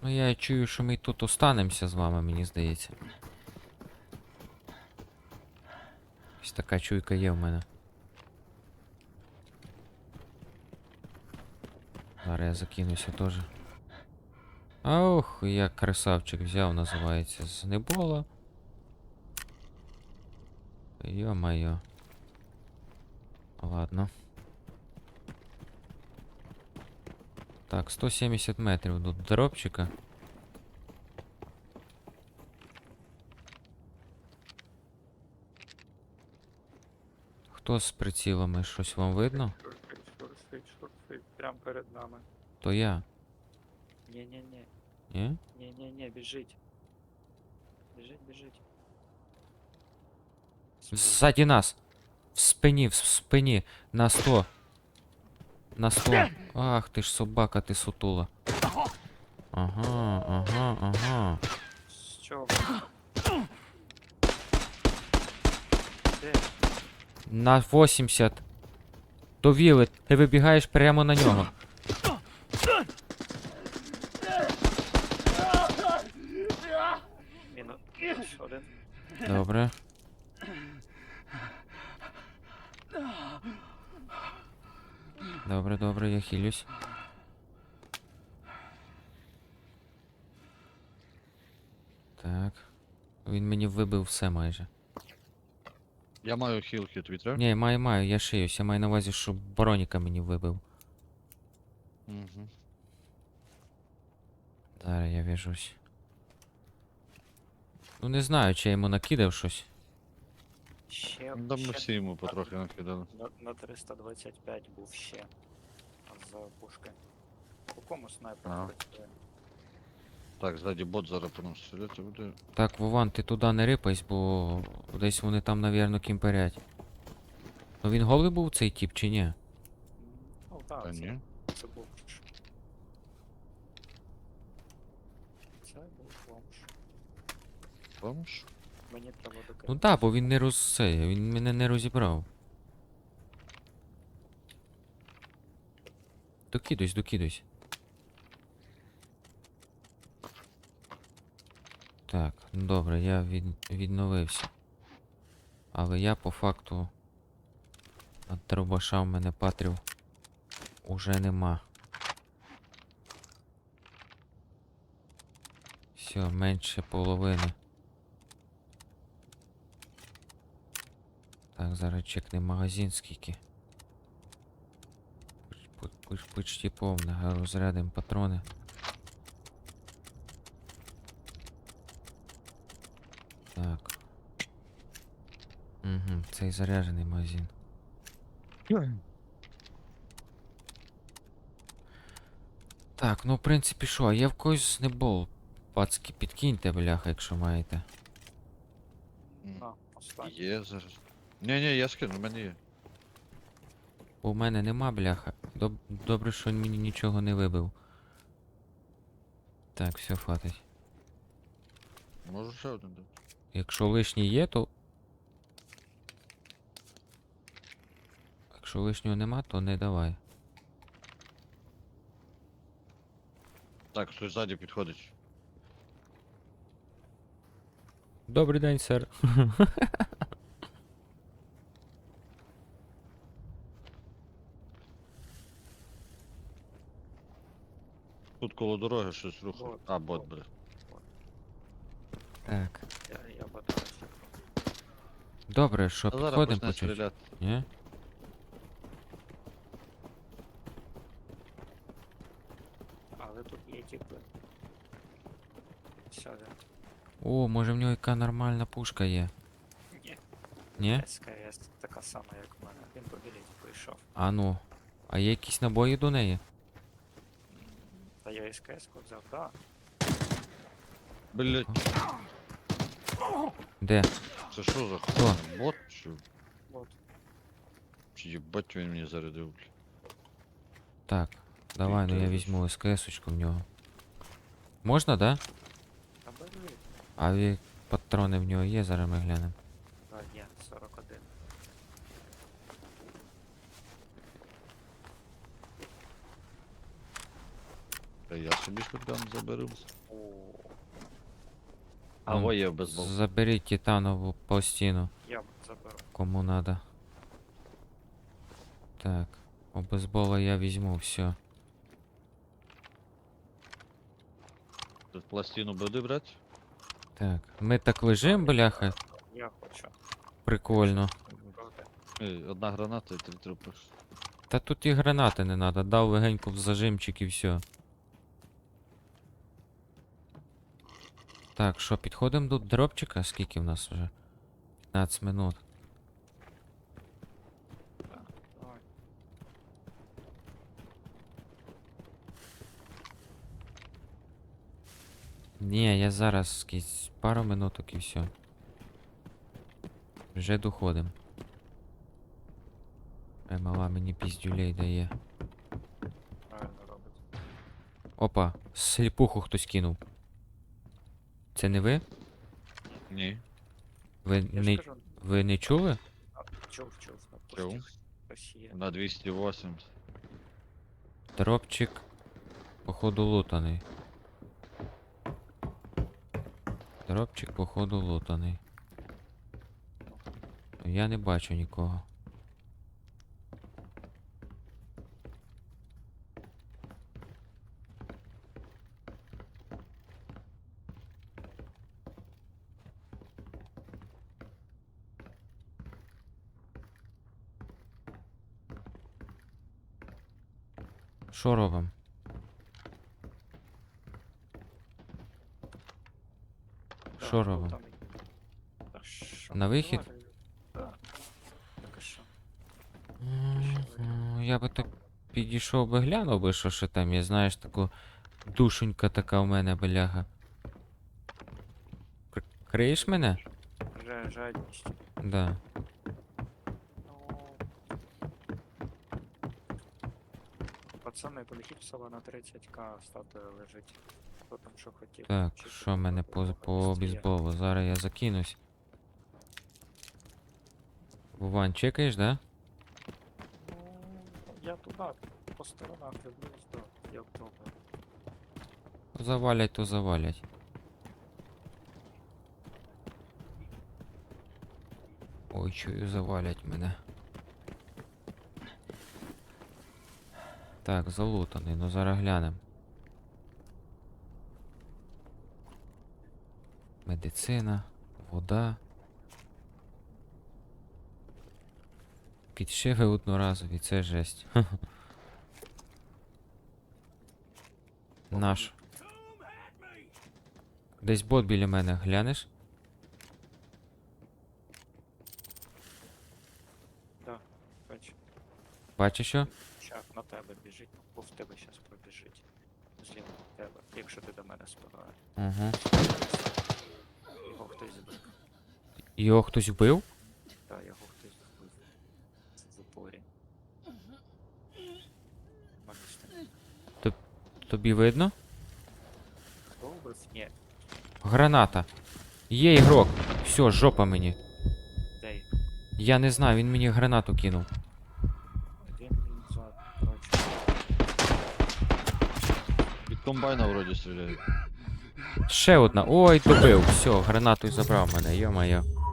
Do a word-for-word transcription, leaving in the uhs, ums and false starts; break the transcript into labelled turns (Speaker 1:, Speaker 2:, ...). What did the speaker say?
Speaker 1: Ну я чую, що ми тут останемося з вами, мені здається. Ось така чуйка є в мене. Зараз я закинуся теж. Ох, я красавчик взяв, називається, з небола. Йо-моє. Ладно. Так, сто сімдесят метрів до дропчика. Хто з прицілами? Щось вам видно?
Speaker 2: Шурфить, шурфить, шурфить. Прям перед нами.
Speaker 1: То я.
Speaker 2: Ні-ні-ні.
Speaker 1: Ні?
Speaker 2: Ні-ні-ні, біжить. Біжить, біжить.
Speaker 1: Ззаді нас! В спині, в спині! На сто! На сто! Ах ти ж собака, ти сутула. Ага, ага, ага.
Speaker 2: З чого? Де?
Speaker 1: На вісімдесят. Довіли, ти вибігаєш прямо на нього.
Speaker 2: Мінус один.
Speaker 1: Добре. Добре, добре, я хилюсь. Так. Він мені вибив все майже.
Speaker 3: Я маю хілки, тобі треба?
Speaker 1: Ні, маю, маю, я шиюсь. Я маю на увазі, що броніка мені вибив.
Speaker 3: Угу.
Speaker 1: Зараз я в'яжусь. Ну не знаю, чи я йому накидав щось.
Speaker 2: Ще,
Speaker 3: Да ми
Speaker 2: ще
Speaker 3: всі йому потрохи накидали.
Speaker 2: на, на триста двадцять п'ять був ще. За пушки. По кому снайпер
Speaker 3: Ага.
Speaker 2: працює?
Speaker 3: Так, ззаді бот зараз по нас стріляти буде.
Speaker 1: Так, Вован, ти туди не рипайся, бо десь вони там, навірно, кімперять. Ну він голий був цей тип чи ні?
Speaker 2: М, Ну так,
Speaker 3: Та
Speaker 2: це,
Speaker 3: ні.
Speaker 2: це був. Це був бомж.
Speaker 3: Бомж?
Speaker 2: Мені треба докинути.
Speaker 1: Ну так, бо він не роз... це, він мене не розібрав. Докидусь, докидусь. Так, ну добре, я від... відновився. Але я по факту от дробаша в мене патрів уже нема. Все, менше половини. Так, зараз чекне магазин скільки. Поч- поч- Почти повне, розрядимо патрони. Так. Угу, цей заряджений магазин. Так, ну в принципі що, є в когось знебол. Пацки, підкиньте, бляха, якщо маєте.
Speaker 3: М,
Speaker 2: На, останній.
Speaker 3: Є зараз. Ні-ні, я скину, в мене є.
Speaker 1: Бо в мене нема, бляха. Доб Добре, що він мені нічого не вибив. Так, все, хватить.
Speaker 3: Можу ще один дати.
Speaker 1: Якщо лишній є, то. Якщо лишнього нема, то не давай.
Speaker 3: Так, хтось ззаді підходить.
Speaker 1: Добрий день, сер.
Speaker 3: Тут коло дороги щось рухає.
Speaker 2: Бот,
Speaker 3: А, бот,
Speaker 2: бот.
Speaker 3: бля.
Speaker 1: Так.
Speaker 2: Я, я батарейся.
Speaker 1: Добре, що,
Speaker 3: А зараз
Speaker 1: підходимо
Speaker 3: почне
Speaker 1: по чуть?
Speaker 3: стріляти.
Speaker 1: Ні?
Speaker 2: Але тут є типи. Сяде.
Speaker 1: О, може в нього яка нормальна пушка є.
Speaker 2: Ні.
Speaker 1: Ні?
Speaker 2: СКС така сама, як в мене. Він по білеті прийшов.
Speaker 1: А ну. А є якісь набої до неї?
Speaker 2: М, Та я СКС взяв, да.
Speaker 3: Блять,
Speaker 1: Де?
Speaker 3: це що за
Speaker 1: Хто?
Speaker 3: хуйня? Бот чи?
Speaker 2: От.
Speaker 3: Чи їбать він мені зарядив, бля.
Speaker 1: Так, давай, ну я
Speaker 3: теж.
Speaker 1: візьму СКС-очку в нього. Можна, да?
Speaker 2: Та бери.
Speaker 1: А ві- патрони в нього є, зараз ми глянемо.
Speaker 2: Да, є, сорок один.
Speaker 3: Та я Я собі шотган заберу.
Speaker 2: О,
Speaker 3: А
Speaker 1: Вон,
Speaker 3: во є безбол.
Speaker 1: Заберіть титанову пластину,
Speaker 2: я заберу.
Speaker 1: кому надо. Так, у бейсбола я візьму, все.
Speaker 3: Тут пластину буде брати?
Speaker 1: Так, ми так лежим, бляха,
Speaker 2: Я хочу.
Speaker 1: прикольно.
Speaker 2: Проти.
Speaker 3: Ей, одна граната і три трупи.
Speaker 1: Та тут і гранати не надо, дав легенько в зажимчик і все. Так, що, підходимо до дропчика? Скільки в нас вже? п'ятнадцять минут.
Speaker 2: Так, давай.
Speaker 1: Ні, я зараз скільки, пару минуток і все. Вже доходим. Е, мала мені піздюлей дає.
Speaker 2: Правильно робить.
Speaker 1: Опа, сліпуху хтось кинув. Це не ви?
Speaker 3: Ні.
Speaker 1: Ви
Speaker 2: Я
Speaker 1: не,
Speaker 2: ж кажу,
Speaker 1: ви не чули?
Speaker 2: а, чув, чув, на
Speaker 3: Чув.
Speaker 2: пустих хтось є.
Speaker 3: На двісті вісімдесят.
Speaker 1: Дропчик, походу, лутаний. Дропчик, походу, лутаний. Я не бачу нікого. Що робимо?
Speaker 2: Так,
Speaker 1: Що
Speaker 2: ну,
Speaker 1: робимо?
Speaker 2: там і- Та що,
Speaker 1: На вихід?
Speaker 2: давай. Так. Так і що?
Speaker 1: М, Я би так підійшов би глянув би, що ще там є, знаєш, таку душенька така у мене, бляга. Кр- Криєш мене?
Speaker 2: Жа- Жадність.
Speaker 1: Да.
Speaker 2: Ну, пацани, полетіть в село на тридцять ка, статуя лежить. Хто там що хотів.
Speaker 1: Так,
Speaker 2: Чи
Speaker 1: що
Speaker 2: тут
Speaker 1: в мене
Speaker 2: було
Speaker 1: по, по
Speaker 2: быстріє?
Speaker 1: бейсболу? Зараз я закинусь. Вован, чекаєш, да?
Speaker 2: Ну, я туди, по сторонах дивлюсь, да, я пробую.
Speaker 1: Завалять, то завалять. Ой, чую, завалять мене. Так, залутаний, ну зараз глянем. Медицина, вода. Підшиви одноразові, це жесть. Наш. Десь бот біля мене, глянеш?
Speaker 2: Да, бач,
Speaker 1: Бачиш що?
Speaker 2: щас на тебе біжить, бо в тебе щас пробіжить. Зліва на тебе, якщо ти до мене спиною.
Speaker 1: Угу.
Speaker 2: Його хтось збив.
Speaker 1: Його хтось вбив?
Speaker 2: Так, його хтось збив. Це в упорі. Магічний.
Speaker 1: Тобі видно?
Speaker 2: Хто вбив? Ні,
Speaker 1: Граната. Є ігрок. Все, жопа мені.
Speaker 2: де й?
Speaker 1: Я не знаю, він мені гранату кинув.
Speaker 2: Він за, коротше,
Speaker 3: Від комбайна вроді стріляють.
Speaker 1: Ще одна. Ой, добив. Все, гранату забрав мене, йо-моє.